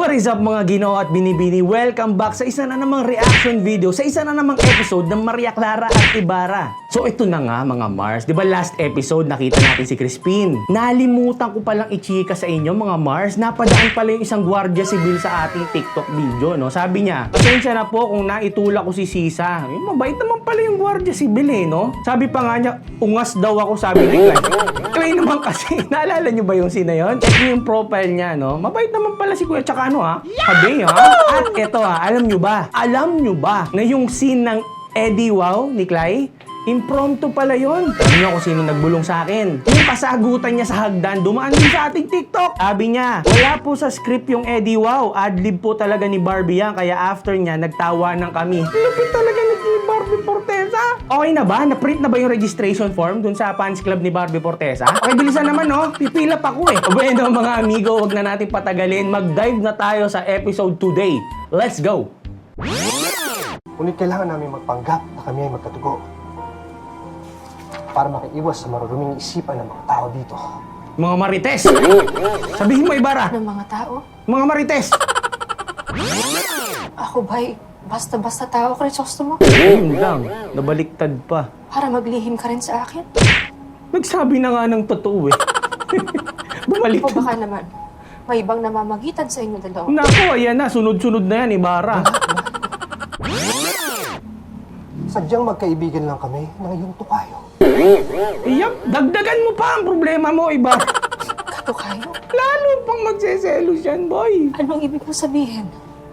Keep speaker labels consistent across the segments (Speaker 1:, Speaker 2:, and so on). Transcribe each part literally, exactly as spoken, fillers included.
Speaker 1: What is up mga Ginoo at Binibini? Welcome back sa isa na namang reaction video, sa isa na namang episode ng Maria Clara at Ibarra. So ito na nga mga Mars, di ba last episode nakita natin si Crispin? Nalimutan ko palang i-chika sa inyo mga Mars, napadaan pala yung isang gwardiya sibil sa ating TikTok video, no? Sabi niya, pasensya na po kung naitulak ko si Sisa. Eh, mabait naman pala yung gwardiya sibil eh, no? Sabi pa nga niya, ungas daw ako, sabi ni Clay. Clay naman kasi, naalala niyo ba yung scene na yun? Check niyo yung profile niya, no? Mabait naman pala si Kuya, tsaka ano ha? Habi ha? At eto ha, alam nyo ba? Alam nyo ba na yung scene ng Eddie Wow ni Clay? Impromptu pala yun. Alam nyo kung sino nagbulong sa akin. Yung kasagutan niya sa hagdan, dumaan din sa ating TikTok. Sabi niya, wala po sa script yung Eddie Wow. Adlib po talaga ni Barbie yan. Kaya after niya, nagtawanan kami. Lupit talaga ni Barbie Fortesa. Okay na ba? Na-print na ba yung registration form dun sa fans club ni Barbie Fortesa? Okay, bilisan naman no. Pipila pa ko eh. Bueno mga amigo, huwag na natin patagalin. Mag-dive na tayo sa episode today. Let's go!
Speaker 2: Ngunit kailangan namin magpanggap na kami ay magkatugo para makiiwas sa maruruming isipan ng mga tao dito.
Speaker 1: Mga marites! Sabihin mo, Ibarra!
Speaker 3: Ng mga tao?
Speaker 1: Mga marites!
Speaker 3: Ako ba'y basta-basta tao, Crisostomo?
Speaker 1: Ayun lang, nabaliktad pa.
Speaker 3: Para maglihim ka rin sa akin?
Speaker 1: Nagsabi na nga ng totoo eh.
Speaker 3: O
Speaker 1: Bumaliktad.
Speaker 3: baka naman, may ibang namamagitan sa inyo dalawa.
Speaker 1: Naku, ayan na, sunod-sunod na yan, Ibarra.
Speaker 2: Sadyang magkaibigan lang kami ng iyong tukayo.
Speaker 1: Iyap, dagdagan mo pa ang problema mo, Ibarra.
Speaker 3: Katukayo?
Speaker 1: Lalo pang magseselos yan, boy.
Speaker 3: Anong ibig mo sabihin?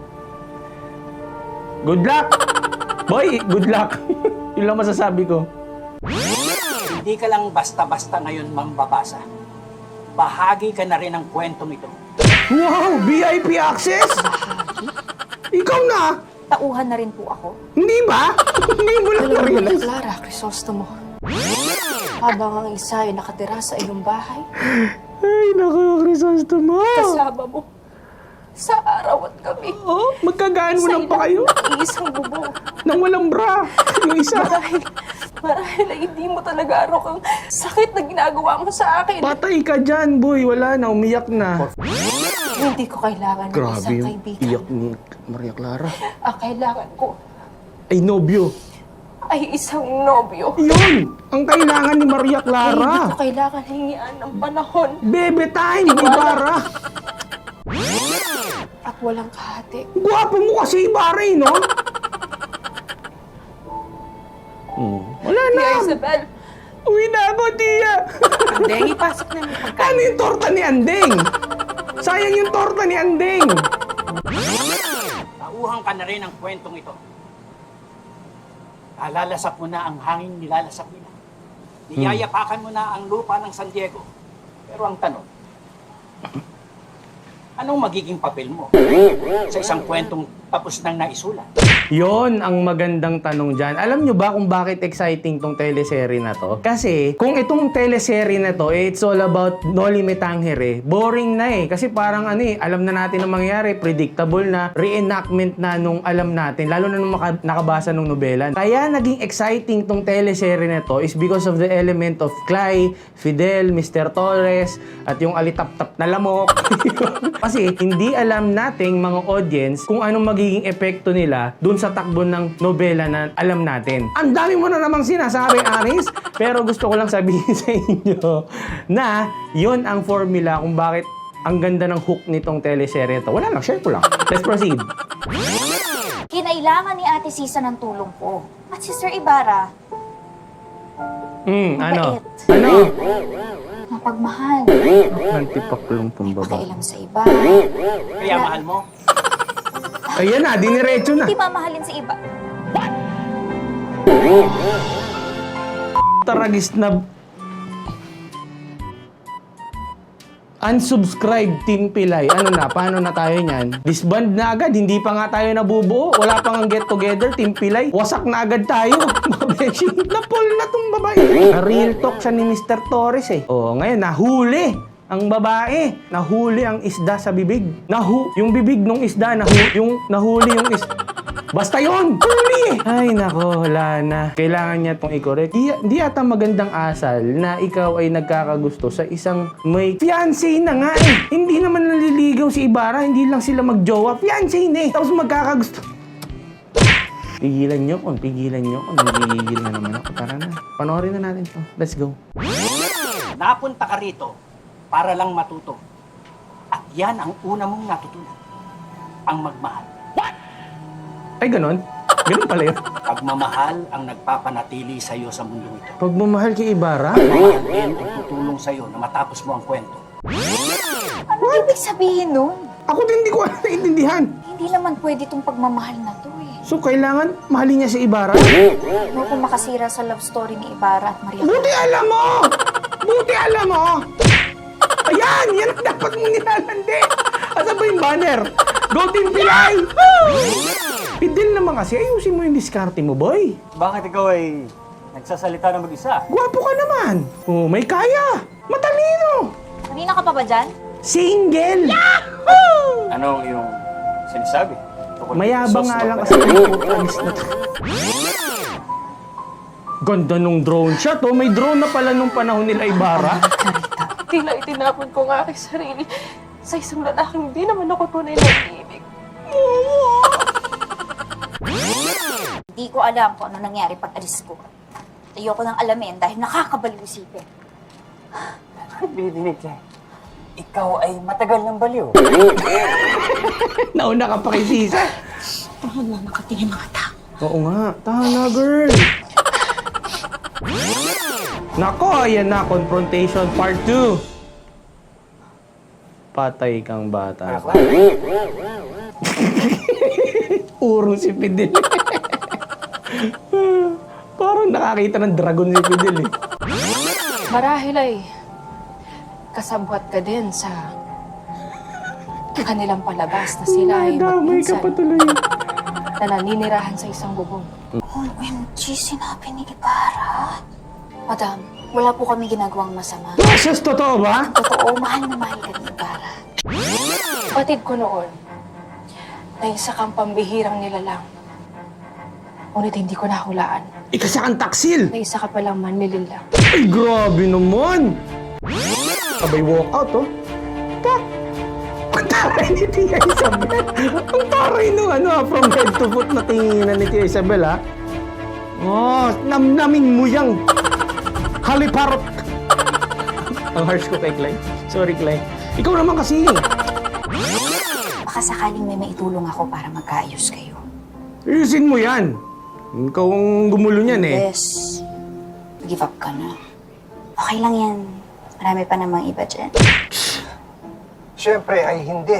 Speaker 1: Good luck! Boy, good luck. Yun lang masasabi ko.
Speaker 4: Hindi ka lang basta-basta ngayon mambabasa. Bahagi ka na rin ng kwentong ito.
Speaker 1: Wow, V I P access? Ikaw na?
Speaker 3: Tauhan na rin po ako.
Speaker 1: Hindi ba? Hindi mo lang
Speaker 3: Alam mo,
Speaker 1: na-realize.
Speaker 3: Clara, Crisostomo. Habang ang isa ay nakatira sa iyong bahay,
Speaker 1: Ay, naku, Crisostomo.
Speaker 3: kasama mo sa araw at gabi.
Speaker 1: Oh, magkagaan mo
Speaker 3: Sa
Speaker 1: lang pa kayo.
Speaker 3: iisang bubong.
Speaker 1: Nang walang bra. Yung isa.
Speaker 3: Marahil, marahil ay hindi mo talaga arok ang sakit na ginagawa mo sa akin.
Speaker 1: Patay ka dyan, boy. Wala na, umiyak na.
Speaker 3: Hindi ko kailangan ng
Speaker 1: Grabe
Speaker 3: isang
Speaker 1: yung
Speaker 3: kaibigan.
Speaker 1: iyak ni Maria Clara.
Speaker 3: Ang kailangan ko
Speaker 1: Ay, nobyo.
Speaker 3: ay isang nobyo.
Speaker 1: Yun! Ang kailangan ni Maria
Speaker 3: Ay, hindi
Speaker 1: Clara.
Speaker 3: ko kailangan hingian ng panahon
Speaker 1: Bebe time, Ibarra.
Speaker 3: at walang kahati.
Speaker 1: Gwapo mo kasi, Ibarra, eh, no? Hmm. Wala na.
Speaker 3: Tia Isabel,
Speaker 1: Uwi na ako, Tia.
Speaker 3: Andeng, ipasok na yung pagkain.
Speaker 1: Ano yung torta ni Andeng? Sayang yung torta ni Andeng.
Speaker 4: Tauhan ka na rin ng kwentong ito. Nalalasap mo na ang hangin nilalasap nila. Niyayapakan mo na ang lupa ng San Diego. Pero ang tanong, anong magiging papel mo sa isang kwentong tapos nang naisulat?
Speaker 1: Yon ang magandang tanong dyan. Alam nyo ba kung bakit exciting tong teleserye na to? Kasi kung itong teleserye na to, eh, it's all about Noli Me Tangere, boring na eh. Kasi parang ano eh, alam na natin ang mangyari, predictable na, reenactment na nung alam natin, lalo na nung maka- nakabasa nung nobela. Kaya naging exciting tong teleserye na to is because of the element of Clay, Fidel, Mister Torres, at yung alitap-tap na lamok. Kasi hindi alam nating mga audience kung anong magiging epekto nila dun sa takbo ng nobela na alam natin. Ang dami mo na namang sinasabi, Aris, pero gusto ko lang sabihin sa inyo na yun ang formula kung bakit ang ganda ng hook nitong teleserye to. Wala lang, share ko lang. Let's proceed.
Speaker 5: Kinailangan ni Ate Sisa ng tulong ko. At si Sir Ibarra,
Speaker 1: Hmm, ano?
Speaker 5: Mabait.
Speaker 1: Ano?
Speaker 5: mapagmahal,
Speaker 1: Nantipaklong pambaba.
Speaker 5: pakialam sa iba.
Speaker 4: Kaya mahal mo?
Speaker 1: Ayan na, diniretso na.
Speaker 5: Hindi mamahalin sa iba.
Speaker 1: Taragis na unsubscribe Team Pilay. Ano na? Paano na tayo niyan? Disband na agad. Hindi pa nga tayo nabubuo. Wala pang get together Team Pilay. Wasak na agad tayo. Mga beshi. Napol na tong babae. Na-real talk siya ni Mister Torres eh. Oo, ngayon nahuli ang babae. Nahuli ang isda sa bibig. Nahu yung bibig ng isda, nahu yung nahuli yung is Basta yun! Huli! Ay nako, wala na. Kailangan niya itong i-correct. Di, di ata magandang asal na ikaw ay nagkakagusto sa isang may fiancé na nga eh. Hindi naman naliligaw si Ibarra, hindi lang sila magjowa. Fiancé na eh. Tapos magkakagusto. Pigilan niyo ko, pigilan niyo ko. Nagigigil na naman ako. Tara na, panoorin na natin to. Let's go.
Speaker 4: Napunta ka rito para lang matuto. At yan ang una mong natutunan. Ang magmahal.
Speaker 1: Ay, ganon? Ganon pala yun.
Speaker 4: Pagmamahal ang nagpapanatili sa iyo sa mundo ito.
Speaker 1: Pagmamahal kay Ibarra?
Speaker 4: Pagmamahal din ang tutulong sa iyo na matapos mo ang kwento.
Speaker 5: Ano ibig sabihin nun?
Speaker 1: Ako din hindi ko alam naiintindihan.
Speaker 5: Hindi naman pwede itong pagmamahal na to eh.
Speaker 1: So, kailangan mahalin niya si Ibarra?
Speaker 5: Ano kung makasira sa love story ni Ibarra at Maria
Speaker 1: Buti
Speaker 5: Clara?
Speaker 1: alam mo! Buti alam mo! Ayan! Yan ang dapat mong nilalandi! Asan ba yung banner? Go Team Pilay! Pidil naman kasi, ayusin mo yung diskarte mo, boy.
Speaker 4: Bakit ikaw ay nagsasalita na mag-isa?
Speaker 1: Gwapo ka naman. Oh, may kaya. Matalino.
Speaker 5: Kanina ka pa ba dyan?
Speaker 1: Single.
Speaker 4: Anong yung sinasabi? Tungkol
Speaker 1: Mayabang
Speaker 4: sa
Speaker 1: nga
Speaker 4: sauce
Speaker 1: lang
Speaker 4: mo
Speaker 1: kasi
Speaker 4: ba?
Speaker 1: may focus na to. Ganda nung drone shot, oh. May drone na pala nung panahon nila Ibarra.
Speaker 3: Tila itinapon ko nga aking sarili sa isang lalaking hindi naman ako tunay na ibig.
Speaker 5: Hindi ko alam kung ano nangyari pag alis ko. Ayoko nang alamin dahil nakakabaliw isipin.
Speaker 4: Bidinig ka. Ikaw ay matagal ng baliw.
Speaker 1: Nauna ka pa kay Sisa.
Speaker 5: Bakit na nakatingin mga tao?
Speaker 1: Oo nga. Tana, girl. Nako, ayan na. Confrontation part two. Patay kang bata. Urong si Fidel. Parang nakakita ng dragon si Fidel eh.
Speaker 3: Marahil ay kasabwat ka din sa kanilang palabas na sila ay
Speaker 1: Damay ka
Speaker 3: magpinsan
Speaker 1: pa tuloy.
Speaker 3: na naninirahan sa isang bubong.
Speaker 5: O M G, sinabi ni Ibarra. Madam, wala po kami ginagawang masama.
Speaker 1: Precious, totoo ba?
Speaker 5: Totoo, mahal na mahal ka ni Ibarra.
Speaker 3: Batid ko noon na isa kang pambihirang nilalang. Ngunit hindi ko nahulaan
Speaker 1: Ikasa kang taksil.
Speaker 3: na isa ka palang manlililang.
Speaker 1: Ay, grabe naman. Sabay walkout, oh. Tak! Ang taray ni Tia Isabel. Ang taray nung ano, ah, from head to foot na tinginan ni Tia Isabel, ha? Oh, namnamin mo yang haliparot. Ang harsh ko kay Clay. Sorry, Clay. Ikaw naman kasi.
Speaker 5: Baka sakaling may maitulong ako para magkaayos kayo.
Speaker 1: Ayusin mo yan. Ikaw ang gumulo niyan, eh.
Speaker 5: Yes. Give up ka na. Okay lang yan. Marami pa namang iba dyan.
Speaker 2: Siyempre ay hindi.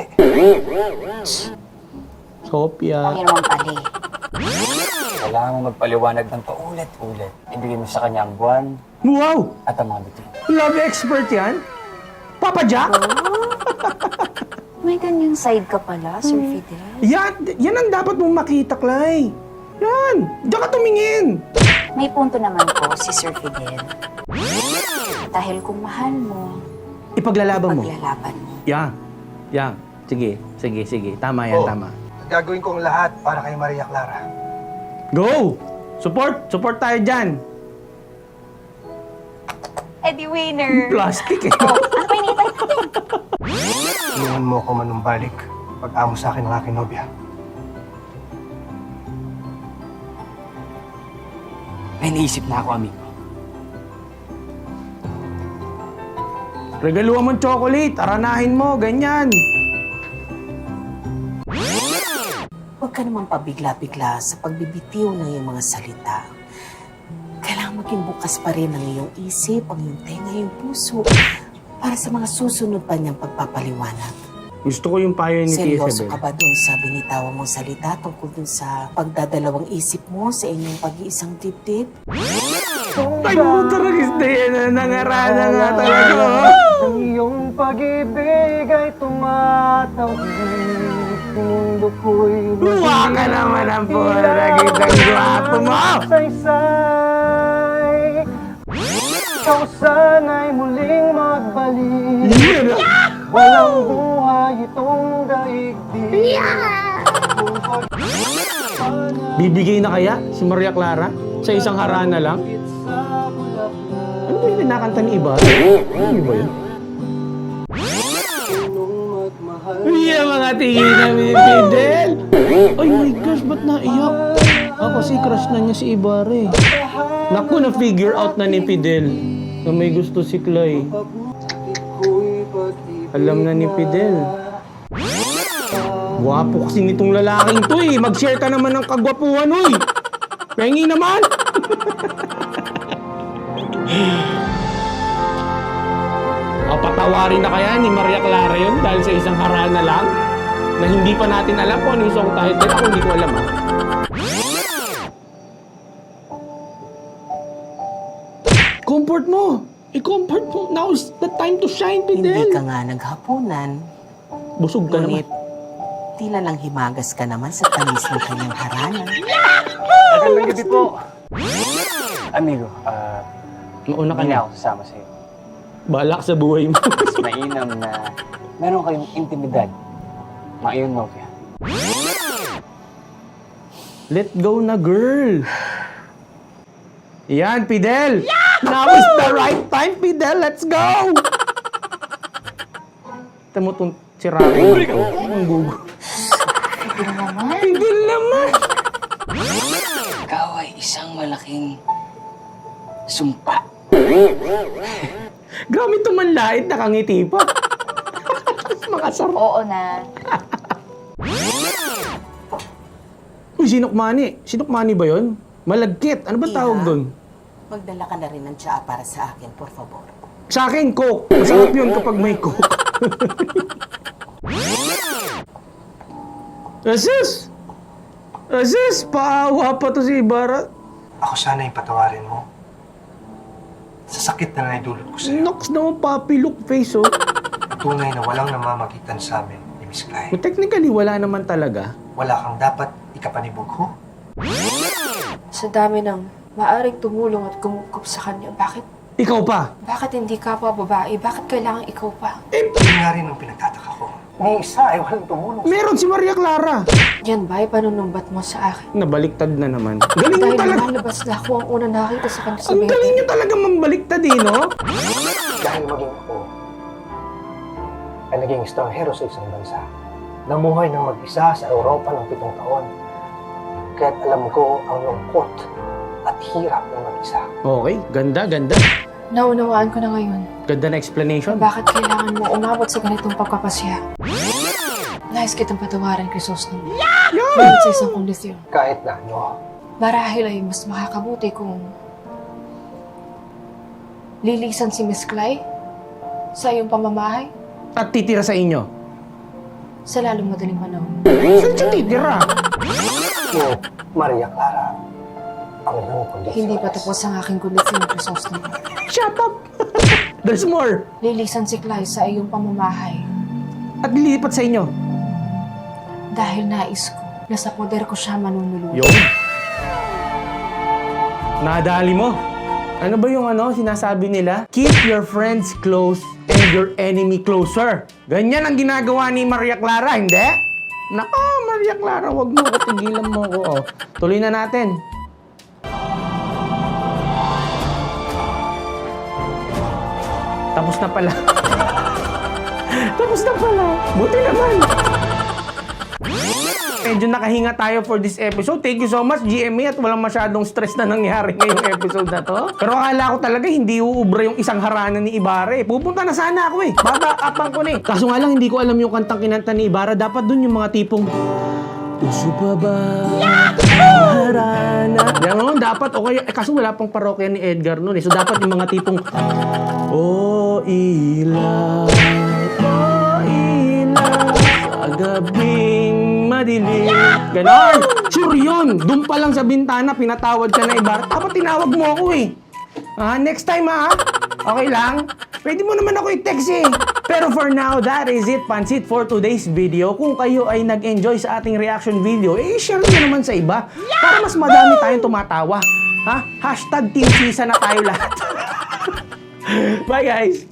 Speaker 1: Sophia.
Speaker 5: Ang naman pali.
Speaker 4: Kailangan mo magpaliwanag ng paulit-ulit. Ibigay mo sa kanya ang buwan
Speaker 1: Wow!
Speaker 4: at ang mga bitin.
Speaker 1: Love expert yan? Papa Jack?
Speaker 5: May ganyang side ka pala, Sir Fidel.
Speaker 1: Yan, yan ang dapat mong makita, Clay. Yan, diyan ka tumingin.
Speaker 5: May punto naman po si Sir Fidel. Dahil kung mahal mo,
Speaker 1: Ipaglalaban mo.
Speaker 5: paglalaban mo.
Speaker 1: Yan, yan. Sige, sige, sige. Tama yan,
Speaker 2: Oh.
Speaker 1: tama.
Speaker 2: Gagawin ko ang lahat para kay Maria Clara.
Speaker 1: Go! Support! Support tayo dyan.
Speaker 5: Eddie winner!
Speaker 1: Plastic eh.
Speaker 5: Oh, ano pa initay natin?
Speaker 2: Tulungan mo ako manumbalik pag-amo sa akin ng aking nobya.
Speaker 4: May naisip na ako, amigo.
Speaker 1: Regaluhan mo ng chocolate. Aranahin mo, ganyan.
Speaker 6: Huwag ka naman pabigla-bigla sa pagbibitiw ng iyong mga salita. Kailangan maging bukas pa rin ang iyong isip, ang iyong tenga, ang iyong puso para sa mga susunod pa niyang pagpapaliwanag.
Speaker 1: Gusto ko yung payo ni Tia
Speaker 6: Seryoso
Speaker 1: Isabel.
Speaker 6: ka ba doon sa binitawan mong salita tungkol doon sa pagdadalawang isip mo sa inyong pag-iisang dibdib?
Speaker 1: Ay, puto rin isda yan. Nangarana nga talaga. oh.
Speaker 2: Ang iyong pag-ibig ay tumatawid. Mundo ko'y
Speaker 1: Luwa ka naman ang puro. Nagitang gwapo mo.
Speaker 2: saysay. Ikaw sana'y muling magbalik.
Speaker 1: Yun ah.
Speaker 2: Walang buhay itong daigdig.
Speaker 1: Bibigay na kaya si Maria Clara sa isang harana lang? Ano ba yung kinakanta ni iba? Ano ba yun? Yeah, mga tingin namin ni Fidel! Ay my gosh, ba't naiyak? Ako kasi crush na niya si Ibarra eh. Naku, na-figure out na ni Fidel na may gusto si Clay. Alam na ni Fidel. Gwapo kasi nitong lalaking to eh. Mag-share ka naman ng kagwapuhan, uy. Pengi naman. O, patawarin na kaya ni Maria Clara yun dahil sa isang harana lang na hindi pa natin alam kung ano yung song title. Ako hindi ko alam ha. Comfort mo. I-comfort mo. Now is the time to shine, Fidel.
Speaker 6: Hindi ka nga naghapunan.
Speaker 1: Busog ka
Speaker 6: Ngunit,
Speaker 1: naman.
Speaker 6: tila lang himagas ka naman sa tamis ng kanyang harana.
Speaker 2: Magandang gabi po. Amigo, ah,
Speaker 1: Mauna ka
Speaker 2: hindi
Speaker 1: na.
Speaker 2: ako sasama sa'yo.
Speaker 1: Balak sa buhay mo.
Speaker 2: Mas mainam na meron kayong intimidad. Maayong novia.
Speaker 1: Let go na, girl. Yan, Fidel. Now is the right time, Fidel. Let's go. Ito mo itong sirain ito. Ang gugo.
Speaker 3: Fidel naman.
Speaker 1: Fidel naman.
Speaker 4: Ikaw ay isang malaking sumpa.
Speaker 1: Grabe ito manlait, nakangiti pa. Mga sarap.
Speaker 5: Oo na.
Speaker 1: Uy, sinukmani. Sinukmani ba yun? Malagkit. Ano ba tawag
Speaker 6: Iha.
Speaker 1: doon?
Speaker 6: Magdala ka na rin ng tsaa para sa akin, por favor.
Speaker 1: Sa akin, Coke. Masarap yun kapag may Coke. Asus! Asus! Paawa pa to si Ibarra.
Speaker 2: Ako sana yung patawarin mo. Sa sakit na naidulot ko sa'yo.
Speaker 1: Nox naman puppy look face, oh.
Speaker 2: Tunay na walang namamagitan sa amin ni Miss Clay.
Speaker 1: But technically, wala naman talaga.
Speaker 2: Wala kang dapat ikapanibog ko.
Speaker 3: Sa dami ng maaring tumulong at kumukup sa kanya, bakit,
Speaker 1: Ikaw pa.
Speaker 3: bakit hindi ka pa babae? Bakit kailangan ikaw pa?
Speaker 2: Eh, yun nga rin ang pinagtataka ko. Ni isa ay walang tumulong.
Speaker 1: Meron si Maria Clara.
Speaker 3: Yan ba ay panunumbat mo sa akin?
Speaker 1: Nabaliktad na naman. Galing niyo
Speaker 3: Dahil
Speaker 1: talaga.
Speaker 3: lumalabas na ako ang una nakita sa kanya sa
Speaker 1: Ang galing
Speaker 3: bete.
Speaker 1: niyo talaga mambaliktad, eh, no?
Speaker 2: Dahil maging ako ay naging estranghero sa isang bansa. Namuhay ng mag-isa sa Europa ng pitong taon. Kaya't alam ko ang lungkot at hirap ng mag-isa.
Speaker 1: Okay, ganda, ganda.
Speaker 3: Naunawaan ko na ngayon
Speaker 1: Ganda na explanation.
Speaker 3: bakit kailangan mo umabot sa ganitong pagkapasya. Nais kitang patawarin, Crisostom. Ngunit sa isang kondisyon.
Speaker 2: Kahit na ano,
Speaker 3: Marahil ay mas makakabuti kung lilisan si Miss Clay sa iyong pamamahay
Speaker 1: At titira sa inyo.
Speaker 3: sa lalong madaling panahon.
Speaker 1: Saan siya titira?
Speaker 2: mo, Maria Clara, ang iyong kondisyon.
Speaker 3: Hindi pa tapos ang aking kondisyon, Crisostom.
Speaker 1: Shut up! There's more.
Speaker 3: Lilisan si Clay sa iyong pamamahay
Speaker 1: At lilipat sa inyo.
Speaker 3: dahil nais ko na sa poder ko siya manunuluyan.
Speaker 1: Yun. Nadali mo. Ano ba yung ano, sinasabi nila? Keep your friends close and your enemy closer. Ganyan ang ginagawa ni Maria Clara, hindi? Nako, Maria Clara, wag mo ko, tigilan mo ko. Oh. Tuloy na natin. Tapos na pala. Tapos na pala. Buti naman. Medyo nakahinga tayo for this episode. Thank you so much, G M A, at walang masyadong stress na nangyari ngayong episode na to. Pero akala ko talaga hindi uubra yung isang harana ni Ibarra eh. Pupunta na sana ako eh. Babakapan ko na eh. Kaso nga lang, hindi ko alam yung kantang kinanta ni Ibarra. Dapat dun yung mga tipong... Puso pa ba ang harana? Yan o, dapat. Okay. Eh, kaso wala pang parokya ni Edgar nun eh. So dapat yung mga tipong... Oh, ilaw, oh, ilaw, sa gabing madilim. Ganon! Sure yun! Doon pa lang sa bintana, pinatawad ka na Ibarra. Dapat tinawag mo ako eh. Ah, next time ah. Okay lang? Pwede mo naman ako i-text eh. Pero for now, that is it, Pansit, for today's video. Kung kayo ay nag-enjoy sa ating reaction video, eh, share nyo naman sa iba. Para mas madami tayong tumatawa. Ha? Hashtag Team Sisa na tayo lahat. Bye guys!